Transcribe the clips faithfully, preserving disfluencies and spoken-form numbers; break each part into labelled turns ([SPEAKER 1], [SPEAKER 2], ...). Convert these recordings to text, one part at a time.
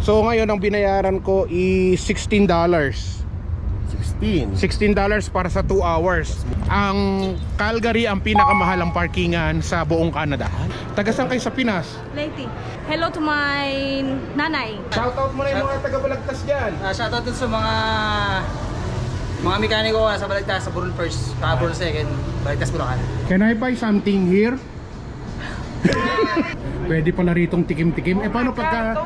[SPEAKER 1] So ngayon ang binayaran ko is sixteen dollars. sixteen dollars para sa two hours. Ang Calgary ang pinakamahalang parkingan sa buong Canada. Taga saan kayo sa Pinas?
[SPEAKER 2] Lady. Hello to my nanay.
[SPEAKER 1] Shoutout mo na yung mga taga Balagtas dyan.
[SPEAKER 3] Uh, shoutout dun sa mga mga mekaniko uh, sa Balagtas, sa Burol First, sa Burol Second, Balagtas Bulacan.
[SPEAKER 1] Can I buy something here? Pwede pala ritong tikim-tikim. Eh paano pagka...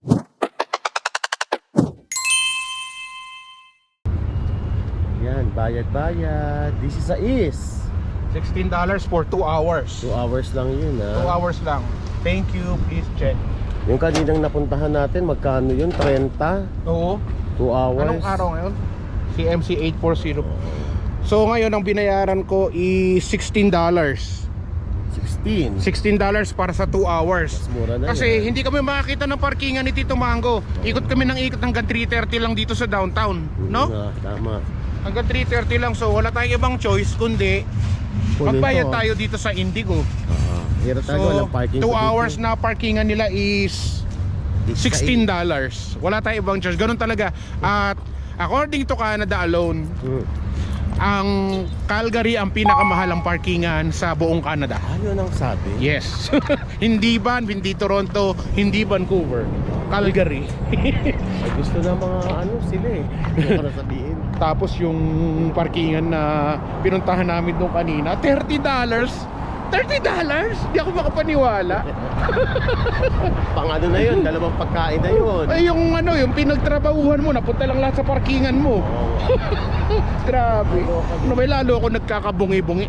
[SPEAKER 4] Yan, bayad-bayad. This is a is.
[SPEAKER 1] sixteen dollars for two hours.
[SPEAKER 4] two hours lang yun,
[SPEAKER 1] two
[SPEAKER 4] ha?
[SPEAKER 1] hours lang. Thank you, please check.
[SPEAKER 4] Yung kaninang napuntahan natin, magkano yun? thirty?
[SPEAKER 1] Oo.
[SPEAKER 4] two hours?
[SPEAKER 1] Anong araw ngayon? C M C eight forty. So ngayon ang binayaran ko is sixteen dollars.
[SPEAKER 4] sixteen?
[SPEAKER 1] sixteen dollars para sa two hours.
[SPEAKER 4] Mas mura na
[SPEAKER 1] Kasi
[SPEAKER 4] yan.
[SPEAKER 1] hindi kami makakita ng parkingan ni Tito Mango. Ikot kami ng ikot hanggang three thirty lang dito sa downtown, no?
[SPEAKER 4] Nga, tama.
[SPEAKER 1] Hanggang three thirty lang, so wala tayong ibang choice kundi
[SPEAKER 4] Kunin
[SPEAKER 1] magbayad
[SPEAKER 4] to.
[SPEAKER 1] tayo dito sa Indigo.
[SPEAKER 4] Ah, hirap tayo,
[SPEAKER 1] So
[SPEAKER 4] walang parking.
[SPEAKER 1] two
[SPEAKER 4] sa
[SPEAKER 1] hours
[SPEAKER 4] dito.
[SPEAKER 1] na parkingan nila is sixteen dollars. Wala tayong ibang choice, ganun talaga. At according to Canada alone,
[SPEAKER 4] Hmm.
[SPEAKER 1] ang Calgary ang pinakamahalang parkingan sa buong Canada.
[SPEAKER 4] Ano nang sabi?
[SPEAKER 1] Yes. Hindi Ban, hindi Toronto, hindi Vancouver, Calgary.
[SPEAKER 4] Ay, gusto na mga ano sila eh. Para sabihin.
[SPEAKER 1] Tapos yung parkingan na pinuntahan namin doon kanina, thirty dollars. thirty dollars? Di ako makapaniwala.
[SPEAKER 4] Pang ano na yun, dalawang pagkain na yun.
[SPEAKER 1] Ay yung ano, yung pinagtrabahuhan mo, napunta lang lahat sa parkingan mo.
[SPEAKER 4] Oh,
[SPEAKER 1] Grabe. Ano ba, lalo ako nagkakabungi-bungi.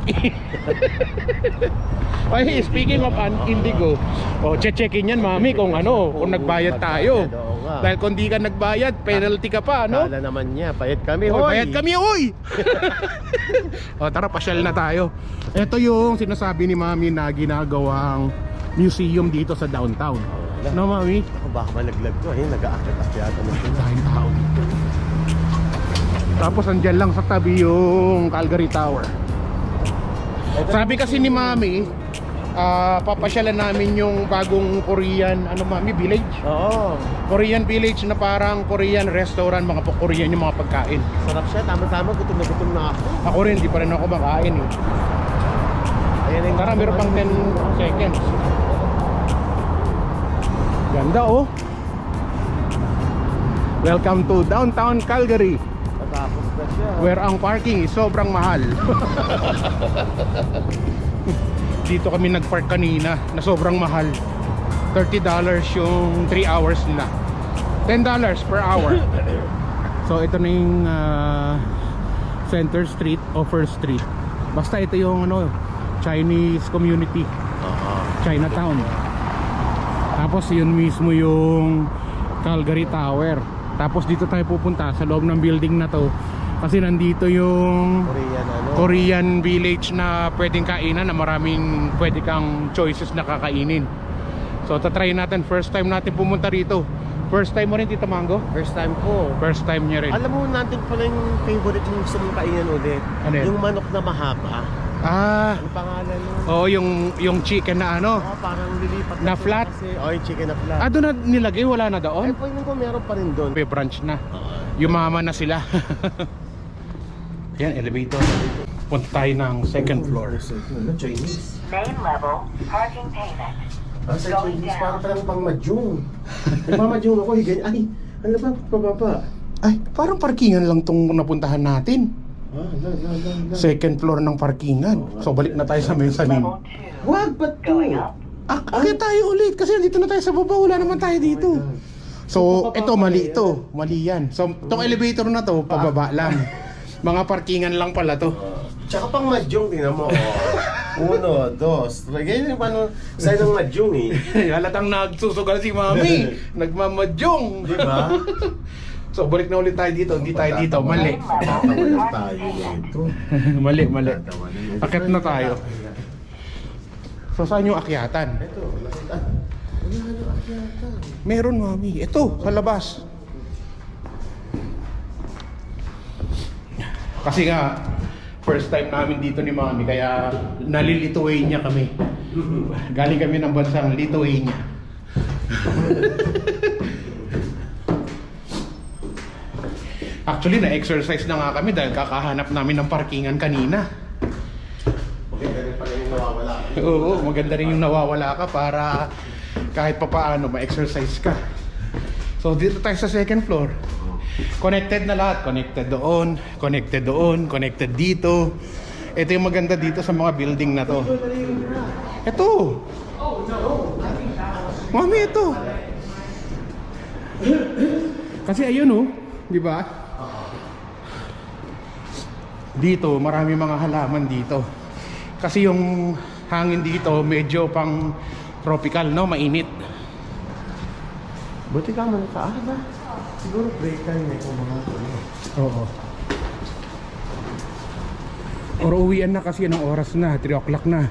[SPEAKER 1] Ay, speaking of an Indigo, oh, che-checkin yan mami kung ano, kung nagbayad tayo.
[SPEAKER 4] Oo nga.
[SPEAKER 1] Dahil kung di ka nagbayad, penalty ka pa, no?
[SPEAKER 4] Kala naman niya, payat kami,
[SPEAKER 1] Hoy,
[SPEAKER 4] hoy.
[SPEAKER 1] bayad kami, oy! O tara, pasyal na tayo. Ito yung sinasabi ni mami na ginagawang museum dito sa downtown. No, mami?
[SPEAKER 4] Ako, baka malaglag to eh, nag-aakit-akyata na siya.
[SPEAKER 1] Dahil tao dito. Tapos andyan lang sa tabi yung Calgary Tower. Sabi kasi ni mami, ah, papasyalan namin yung bagong Korean, ano mami, village?
[SPEAKER 4] Oo,
[SPEAKER 1] Korean village na parang Korean restaurant, mga pa- Korean yung mga pagkain.
[SPEAKER 4] sarap siya, tama-tama, gutom na gutom na ako.
[SPEAKER 1] Ako rin, di pa rin ako makain eh.
[SPEAKER 4] Ayan yung
[SPEAKER 1] Tara, meron pang ten seconds. Ganda oh. Welcome to downtown Calgary,
[SPEAKER 4] Natapos na siya.
[SPEAKER 1] where ang parking is sobrang mahal. Dito kami nagpark kanina na sobrang mahal. thirty dollars yung three hours nila. ten dollars per hour. So ito na yung uh, Center Street o First Street. Basta ito yung ano, Chinese community, Chinatown. Tapos yun mismo yung Calgary Tower. Tapos dito tayo pupunta sa loob ng building na to, kasi nandito yung
[SPEAKER 4] Korean ano.
[SPEAKER 1] Korean village na pwedeng kainan, na maraming pwede kang choices na kakainin. So tatry natin, first time natin pumunta rito. First time mo rin, Tita Mango?
[SPEAKER 4] First time ko.
[SPEAKER 1] First time niya rin.
[SPEAKER 4] Alam mo natin pala yung favorite yung gusto mong kainin ulit.
[SPEAKER 1] Ano yun?
[SPEAKER 4] Yung manok na mahaba.
[SPEAKER 1] Ah,
[SPEAKER 4] Ano pangalan mo?
[SPEAKER 1] oh, yung yung chicken na ano.
[SPEAKER 4] Oh, parang lilipat
[SPEAKER 1] Na
[SPEAKER 4] siya
[SPEAKER 1] flat?
[SPEAKER 4] Kasi, oh, yung chicken na flat.
[SPEAKER 1] Ah, doon na nilagay, wala na
[SPEAKER 4] Ay,
[SPEAKER 1] doon?
[SPEAKER 4] pwede ko meron pa rin doon.
[SPEAKER 1] May branch na.
[SPEAKER 4] Oo.
[SPEAKER 1] Yumaman na sila. Yan, elevator. Punta tayo ng second floor.
[SPEAKER 4] Chinese.
[SPEAKER 5] Main level, parking payment.
[SPEAKER 4] Ah, sa Chinese, parang parang pang madyong. Nagmamadyong ako, higay. Ay, ano ba, pababa?
[SPEAKER 1] Ay, parang parkingan lang tong napuntahan natin.
[SPEAKER 4] Ah, la, la, la, la.
[SPEAKER 1] Second floor ng parkingan. So balik na tayo sa mezzanine.
[SPEAKER 5] Level two.
[SPEAKER 4] Wag, ba't to?
[SPEAKER 5] Going up.
[SPEAKER 1] Ah, akit tayo ulit kasi dito na tayo sa baba, wala naman tayo dito. So, ito mali ito, mali yan. So, itong elevator na to, pababa lang. Mga parkingan lang pala to.
[SPEAKER 4] Tsaka pang madyong, tingnan mo. Oh. Uno, dos, tres. Ganyan yung paano sa'yo ng madyong eh.
[SPEAKER 1] Halatang nagsusugal si mami. Nagmamadyong.
[SPEAKER 4] Di ba?
[SPEAKER 1] So, balik na ulit tayo dito. Hindi tayo dito. Mali.
[SPEAKER 4] Tatawanan tayo nito.
[SPEAKER 1] Mali, mali.
[SPEAKER 4] Tatawanan.
[SPEAKER 1] Akit na tayo. So, saan yung akyatan?
[SPEAKER 4] Ito, nakita. Wala na akyatan.
[SPEAKER 1] Meron, mami. Ito, sa labas. Kasi nga, first time namin dito ni mami, kaya nalilituin niya kami. Galing kami ng bansang Lithuania. Actually, na-exercise na nga kami dahil kakahanap namin ng parkingan kanina.
[SPEAKER 4] Maganda rin pala yung nawawala.
[SPEAKER 1] Oo, maganda rin yung nawawala ka para kahit pa paano ma-exercise ka. So dito tayo sa second floor. Connected na lahat. Connected doon, connected doon, connected dito. Ito yung maganda dito sa mga building na to. Ito. Mami, ito. Kasi ayun oh, di ba? Dito, marami mga halaman dito. Kasi yung hangin dito medyo pang tropical, no? Mainit.
[SPEAKER 4] Buti ka man sa ba? Siguro break time may kumakas.
[SPEAKER 1] Oo. Or uwian na kasi anong oras na, three o'clock na.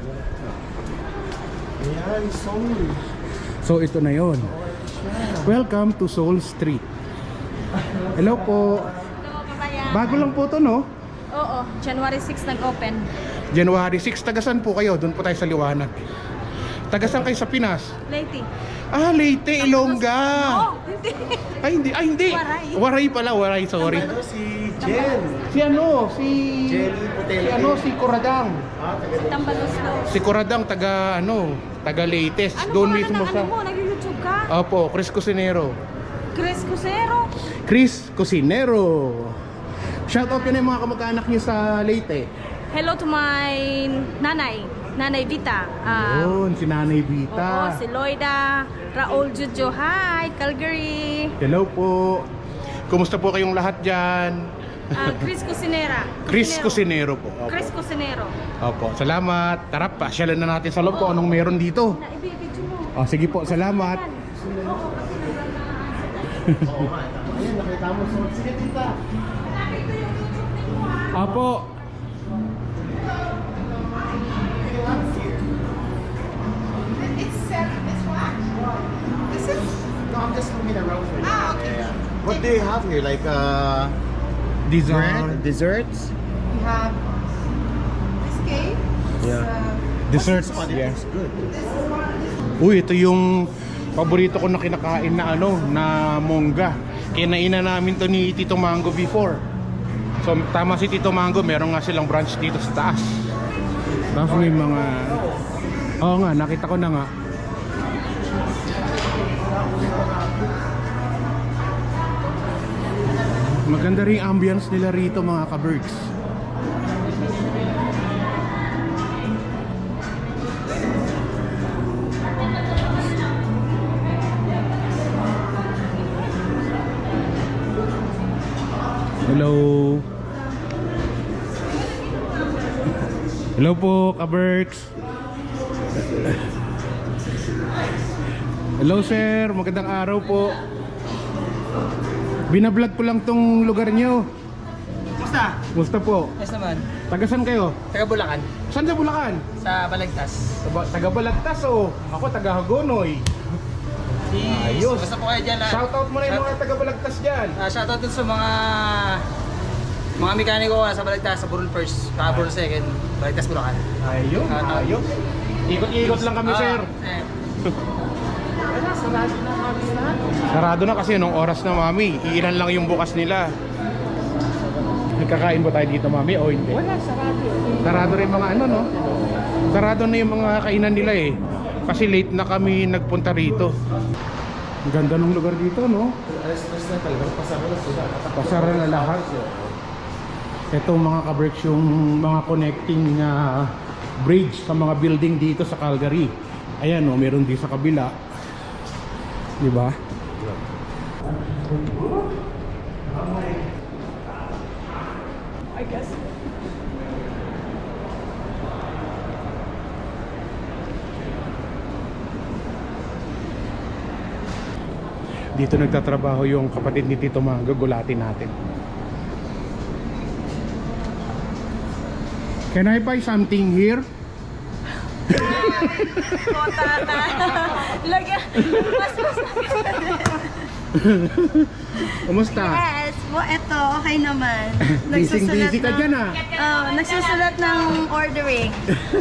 [SPEAKER 4] Ayan, Seoul.
[SPEAKER 1] So ito na yon. Welcome to Seoul Street. Hello po.
[SPEAKER 2] Hello, kabayan.
[SPEAKER 1] Bago lang po to, no?
[SPEAKER 2] Oo, January sixth nag-open.
[SPEAKER 1] January sixth, tagasan po kayo? Doon po tayo sa liwanag. Tagasan kayo sa Pinas?
[SPEAKER 2] Leyte.
[SPEAKER 1] Ah, Leyte, Ilongga.
[SPEAKER 2] Oh, hindi.
[SPEAKER 1] Ay, hindi. Ay, hindi.
[SPEAKER 2] Waray.
[SPEAKER 1] Waray pala, Waray, sorry.
[SPEAKER 4] Ano si Jen?
[SPEAKER 1] Si ano, si...
[SPEAKER 4] Jelly Potato.
[SPEAKER 1] Si ano, si Kuradang.
[SPEAKER 4] Ah, taga
[SPEAKER 2] Tambaluslo.
[SPEAKER 1] Si Kuradang, taga ano, taga Leyte.
[SPEAKER 2] Ano
[SPEAKER 1] Doon
[SPEAKER 2] pangalan
[SPEAKER 1] mismo
[SPEAKER 2] ng
[SPEAKER 1] sa...
[SPEAKER 2] ano mo? Nag-YouTube ka?
[SPEAKER 1] Opo, Chris Cusinero.
[SPEAKER 2] Chris Cusero.
[SPEAKER 1] Chris Cusinero. Shoutout yun yung mga kamag-anak niyo sa Leyte.
[SPEAKER 2] Hello to my nanay. Nanay Vita. Ah,
[SPEAKER 1] Yun, si Nanay
[SPEAKER 2] oo,
[SPEAKER 1] Vita.
[SPEAKER 2] si Loida. Raul Jojo. Hi, Calgary.
[SPEAKER 1] Hello po. Kumusta po kayong lahat dyan?
[SPEAKER 2] Ah, Chris Cusinera.
[SPEAKER 1] Chris Cusinero po. Opo.
[SPEAKER 2] Chris Cusinero.
[SPEAKER 1] Opo, salamat. Tara, pasyalan na natin sa loob ko anong meron dito.
[SPEAKER 2] Na ibibidyo mo.
[SPEAKER 1] Oh, sige po, salamat.
[SPEAKER 4] Oo nga. Ayan, nakita mo. So, sige, tita.
[SPEAKER 1] Opo.
[SPEAKER 6] It's seven. It's what? This is.
[SPEAKER 4] No, I'm just looking around for you.
[SPEAKER 6] Ah, okay.
[SPEAKER 4] Yeah. What do you have here? Like, uh...
[SPEAKER 1] Dessert.
[SPEAKER 4] bread? Desserts?
[SPEAKER 6] We have this cake.
[SPEAKER 4] Yeah.
[SPEAKER 6] Uh,
[SPEAKER 1] Desserts,
[SPEAKER 4] Oh,
[SPEAKER 1] yes.
[SPEAKER 4] this is good.
[SPEAKER 6] this is one.
[SPEAKER 1] Uy, ito yung paborito ko na kinakain na ano, na mongga. Kinainan namin to ni Tito Mango before. So tama si Tito Mango, meron nga silang branch dito sa taas. Tapos may mga... Oo nga, nakita ko na nga. Maganda rin yung ambience nila rito mga ka-bergs. Hello. Hello po, ka-bergs. Hello sir, magandang araw po. Binablog ko lang tong lugar nyo.
[SPEAKER 3] Kumusta?
[SPEAKER 1] Musta po?
[SPEAKER 3] Yes naman.
[SPEAKER 1] Tagasan kayo?
[SPEAKER 3] Taga Bulacan.
[SPEAKER 1] Saan sa Bulacan?
[SPEAKER 3] Sa Balagtas.
[SPEAKER 1] Taga- Taga Balagtas oh. Ako taga Hagonoy. Ayos.
[SPEAKER 3] Basta po kayo dyan lahat.
[SPEAKER 1] Shoutout mo na yung mga taga Balagtas dyan.
[SPEAKER 3] Ah, shoutout dun sa mga mga mekaniko ah, sa Balagtas, sa Burol First, sa Burol Second, Balagtas Bulacan.
[SPEAKER 1] Ayun,
[SPEAKER 3] Shoutout.
[SPEAKER 1] ayos. Ikot-ikot lang kami
[SPEAKER 3] Ah,
[SPEAKER 1] sir.
[SPEAKER 3] eh,
[SPEAKER 1] Sarado na kasi nung oras na mami. Iilan lang yung bukas nila. Nagkakain ba tayo dito mami o hindi? Wala, sarado. Sarado rin mga ano no? Sarado na yung mga kainan nila eh. Kasi late na kami nagpunta rito. Ang ganda ng lugar dito no?
[SPEAKER 4] Alas-alas na talagang pasara na sila.
[SPEAKER 1] Pasara na lahat. Itong mga ka-berks yung mga connecting uh, bridge sa mga building dito sa Calgary. Ayan no, meron din sa kabila. Di ba?
[SPEAKER 2] I guess.
[SPEAKER 1] Dito nagtatrabaho yung kapatid ni Tito Mango, gulatin natin. Can I buy something here?
[SPEAKER 2] Kota na. Lagyan. Mas mas
[SPEAKER 1] Kumusta?
[SPEAKER 7] Yes, well, eto, okay naman.
[SPEAKER 1] Busy busy ka
[SPEAKER 7] ng-
[SPEAKER 1] dyan ah.
[SPEAKER 7] Oh, nagsusulat ng ordering.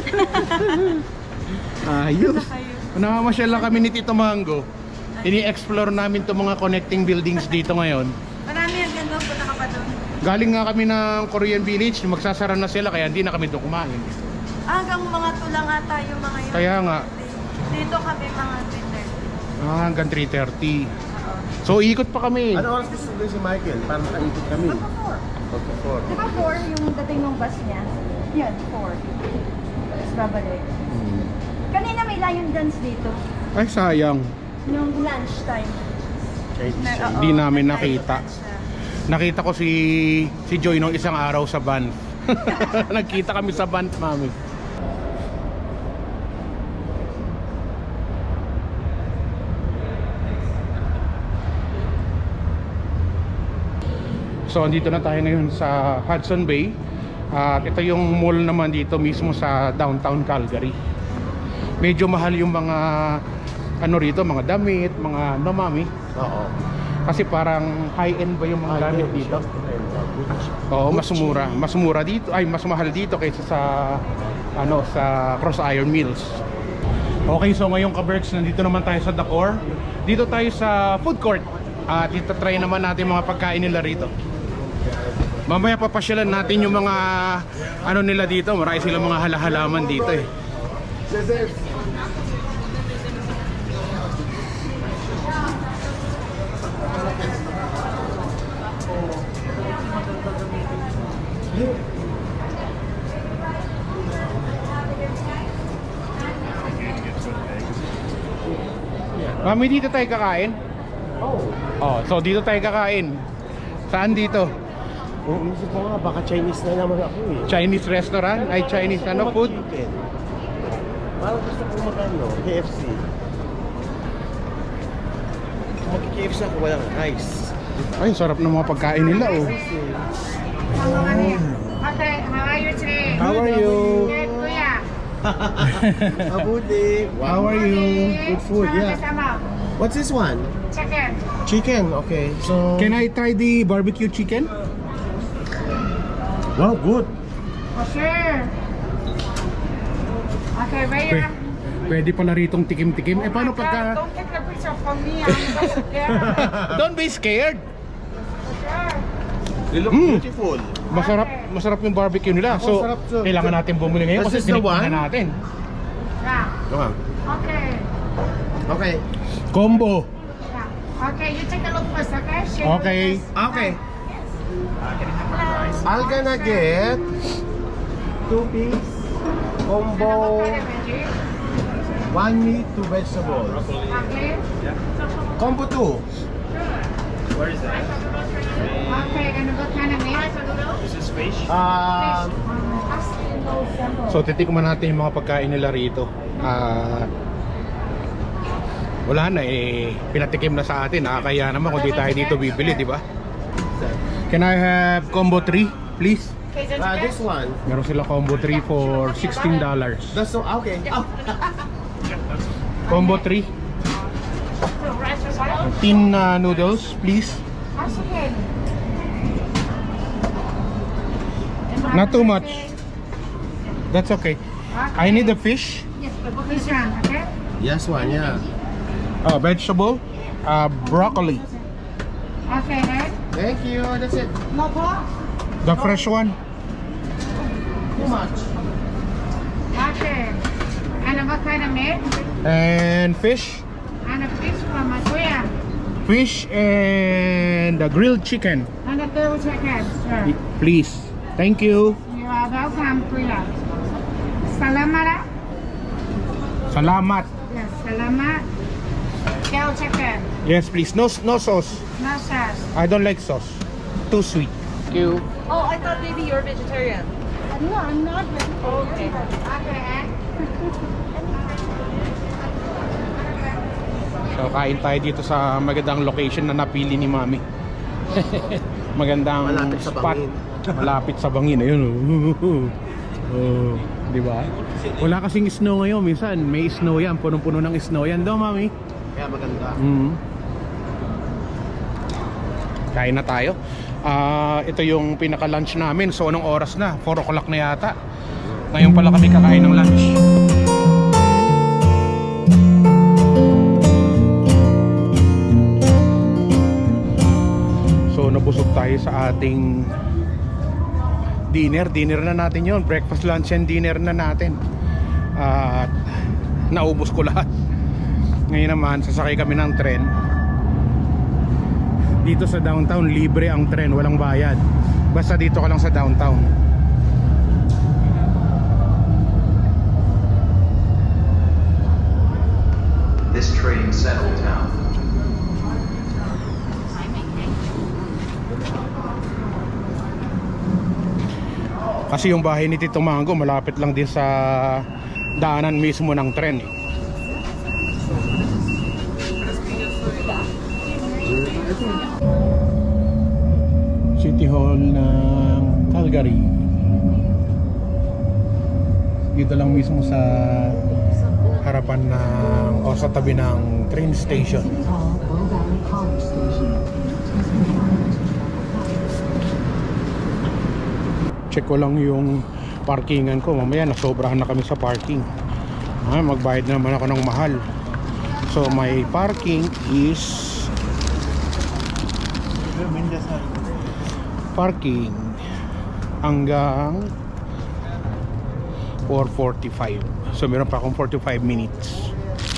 [SPEAKER 1] Ayos. Namamasyal lang kami ni Tito Mango. Ini-explore namin itong mga connecting buildings dito ngayon.
[SPEAKER 7] Marami ang ganda, punta ka pa doon.
[SPEAKER 1] Galing nga kami ng Korean Village, magsasara na sila kaya hindi na kami doon kumain.
[SPEAKER 7] Hanggang mga tulang ata yung mga yun.
[SPEAKER 1] Kaya nga,
[SPEAKER 7] Dito kami mga three thirty.
[SPEAKER 1] ah, hanggang three thirty. So ikot pa kami.
[SPEAKER 4] Ano oras gusto din si Michael? Para makaikot kami.
[SPEAKER 7] four.
[SPEAKER 4] Okay, four.
[SPEAKER 7] Di ba four yung dating ng bus niya? Yan, four. Tapos babalik.
[SPEAKER 1] Hmm.
[SPEAKER 7] Kanina may lion dance dito.
[SPEAKER 1] Ay sayang,
[SPEAKER 7] Yung lunch time. Na, oo,
[SPEAKER 1] Hindi namin
[SPEAKER 7] nag-lion
[SPEAKER 1] nakita.
[SPEAKER 7] dance siya.
[SPEAKER 1] nakita ko si si Joy nung isang araw sa van. Nagkita kami sa van, mami. So andito na tayo ngayon sa Hudson Bay. At ito yung mall naman dito mismo sa downtown Calgary. Medyo mahal yung mga ano rito, mga damit, mga ano mami.
[SPEAKER 4] Oo.
[SPEAKER 1] Kasi parang high-end ba yung mga gamit dito? Oo, mas mura. Mas mura dito, ay mas mahal dito kaysa sa ano, sa Cross Iron Mills. Okay, so ngayong ka-Berks, nandito naman tayo sa Dakor. Dito tayo sa food court. At dito try naman natin mga pagkain nila rito. Mamaya papasyalan natin yung mga ano nila dito. Marami silang mga halahalaman dito eh. Mami, dito tayo kakain?
[SPEAKER 4] Oh.
[SPEAKER 1] Oh, so dito tayo kakain. Saan dito?
[SPEAKER 4] Oh, isip ko nga, baka Chinese na naman ako eh.
[SPEAKER 1] Chinese restaurant? Ay, Chinese ano food?
[SPEAKER 4] Chicken. Parang gusto ko magano, K F C. Mag-K F C ako, walang rice.
[SPEAKER 1] Ay, sarap ng mga pagkain nila oh.
[SPEAKER 6] Okay, how are you today?
[SPEAKER 1] How are you?
[SPEAKER 6] Good, kuya.
[SPEAKER 4] Mabuti.
[SPEAKER 1] How are you?
[SPEAKER 4] Good food, yeah.
[SPEAKER 6] Sama.
[SPEAKER 4] What's this one?
[SPEAKER 6] Chicken.
[SPEAKER 4] Chicken, okay. So,
[SPEAKER 1] Can I try the barbecue chicken?
[SPEAKER 4] wow, good.
[SPEAKER 6] For sure. Okay, wait.
[SPEAKER 1] Pwede, pwede pala ritong tikim-tikim. Eh paano pagka...
[SPEAKER 6] Don't take the picture from me. I'm just scared.
[SPEAKER 1] Don't be scared!
[SPEAKER 6] For sure.
[SPEAKER 4] They look
[SPEAKER 1] Mm.
[SPEAKER 4] beautiful.
[SPEAKER 1] Masarap, masarap yung barbecue nila. So,
[SPEAKER 4] Ako, sarap to.
[SPEAKER 1] kailangan natin bumili ngayon
[SPEAKER 4] This
[SPEAKER 1] kasi
[SPEAKER 4] is the
[SPEAKER 1] tinikman
[SPEAKER 4] one?
[SPEAKER 1] na natin.
[SPEAKER 6] Yeah.
[SPEAKER 4] Come on.
[SPEAKER 6] Okay.
[SPEAKER 4] Okay.
[SPEAKER 1] Combo.
[SPEAKER 6] Yeah. Okay, you take a look first, okay? Share
[SPEAKER 1] Okay.
[SPEAKER 6] with us.
[SPEAKER 4] Okay. I'm gonna get two piece combo,
[SPEAKER 6] Okay, veggie.
[SPEAKER 4] one meat, two vegetables.
[SPEAKER 6] Okay.
[SPEAKER 4] Combo two.
[SPEAKER 6] Okay, and what kind of meat?
[SPEAKER 4] Um,
[SPEAKER 1] So, titikman natin yung mga pagkain nila rito. Ah... wala na eh, pinatikim na sa atin. Nakakaya naman kung di tayo dito bibili, di ba? Can I have combo three, please?
[SPEAKER 4] uh, this one.
[SPEAKER 1] Meron sila combo three for sixteen dollars.
[SPEAKER 4] That's so okay. Oh.
[SPEAKER 1] Combo three. Tin uh, noodles, please.
[SPEAKER 6] That's okay.
[SPEAKER 1] Not too much. That's okay. I need the fish.
[SPEAKER 6] Yes, this one, okay?
[SPEAKER 4] Yes, one. Yeah.
[SPEAKER 1] Uh, vegetable. Uh, broccoli.
[SPEAKER 6] Okay, right?
[SPEAKER 4] Thank you. That's it.
[SPEAKER 6] No pork?
[SPEAKER 1] The fresh one.
[SPEAKER 4] Too much.
[SPEAKER 6] Okay. And what kind of meat?
[SPEAKER 1] And fish.
[SPEAKER 6] And a fish from Masuya.
[SPEAKER 1] Fish and the grilled chicken.
[SPEAKER 6] And a grilled chicken, sir.
[SPEAKER 1] Please. Thank you.
[SPEAKER 6] You are welcome, Kuya. Salamat.
[SPEAKER 1] Salamat.
[SPEAKER 6] Yes, salamat. Grilled chicken.
[SPEAKER 1] Yes, please. No, no sauce.
[SPEAKER 6] No sauce.
[SPEAKER 1] I don't like sauce. Too sweet. Thank you.
[SPEAKER 7] Oh, I thought maybe you're vegetarian.
[SPEAKER 6] No, I'm not vegetarian. Okay. Okay.
[SPEAKER 1] So, kain tayo dito sa magandang location na napili ni Mami. Magandang
[SPEAKER 4] Malapit sa
[SPEAKER 1] spot.
[SPEAKER 4] bangin.
[SPEAKER 1] Malapit sa bangin. Ayun. Oh. Oh, di ba? Wala kasing snow ngayon. Minsan may snow yan. Punong-puno ng snow yan. Do, Mami?
[SPEAKER 4] Kaya maganda.
[SPEAKER 1] Mm. Kain na tayo. Ah, ito yung pinaka-lunch namin. So anong oras na? four o'clock na yata. Ngayon pala kami kakain ng lunch. So nabusog tayo sa ating dinner, dinner na natin yon, breakfast, lunch and dinner na natin. At naubos ko lahat. Ngayon naman sasakay kami ng tren. Dito sa downtown libre ang tren, walang bayad. Basta dito ka lang sa downtown.
[SPEAKER 8] This train settled down.
[SPEAKER 1] Kasi yung bahay ni Tito Mango malapit lang din sa daanan mismo ng tren eh. City Hall ng Calgary. Dito lang mismo sa harapan ng o sa tabi ng train station. Check ko lang yung parkingan ko. Mamaya nasobrahan na kami sa parking. Ah, magbayad na naman ako ng mahal. So my parking is parking hanggang four forty-five. So meron pa akong forty-five minutes.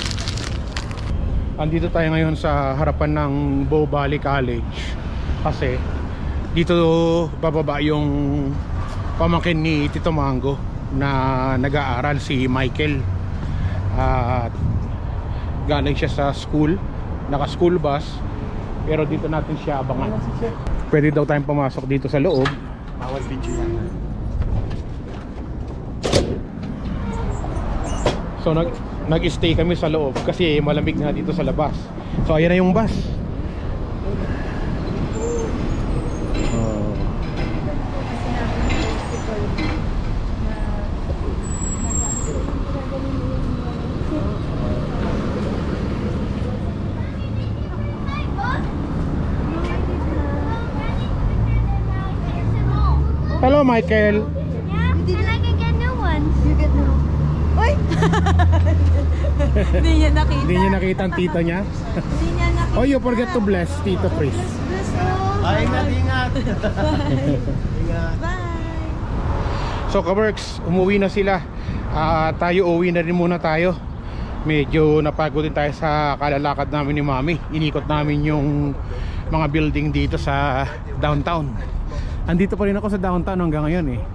[SPEAKER 1] Andito tayo ngayon sa harapan ng Bow Valley College kasi dito bababa yung pamangkin ni Tito Mango na nag-aaral, si Michael. At galing siya sa school, naka school bus, pero dito natin siya abangan. Pwede daw tayong pumasok dito sa loob.
[SPEAKER 4] Bawal video yan.
[SPEAKER 1] So nag nag-stay kami sa loob kasi malamig na dito sa labas. So ayan na yung bus. Oh. Hello, Michael.
[SPEAKER 7] Did I can get new ones? You get new. Uy! Hindi niya nakita.
[SPEAKER 1] Hindi niya nakita ang tita niya.
[SPEAKER 7] Hindi niya nakita.
[SPEAKER 1] Oh, you forget to bless Tito Chris.
[SPEAKER 7] Bless you.
[SPEAKER 4] Ay, ingat, ingat. Ingat.
[SPEAKER 7] Bye.
[SPEAKER 1] So kaworks, umuwi na sila. Ah, tayo uwi na rin muna tayo. Medyo napagod din tayo sa kalalakad namin ni Mami. Inikot namin yung mga building dito sa downtown. Andito pa rin ako sa downtown hanggang ngayon eh.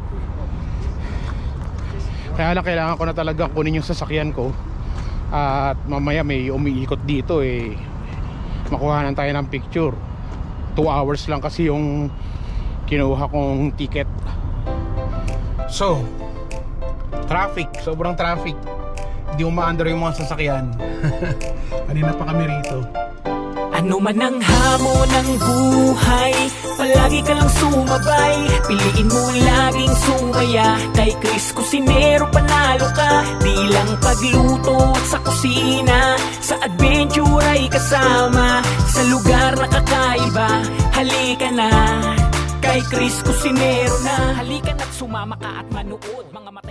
[SPEAKER 1] Kaya lang kailangan ko na talaga kunin yung sasakyan ko. At mamaya may umiikot dito eh. Makuhanan tayo ng picture. Two hours lang kasi yung kinuha kong ticket. So traffic, sobrang traffic. Hindi umaandar yung mga sasakyan. Kanina pa kami rito.
[SPEAKER 9] Ano man ang hamon ng buhay, palagi ka lang sumabay. Piliin mo laging sumaya. Kay Chris Cusinero panalo ka. Di lang pagluto at sa kusina, sa adventure ay kasama. Sa lugar na kakaiba, halika na. Kay Chris Cusinero na. Halika na't sumama ka at manood mga mata.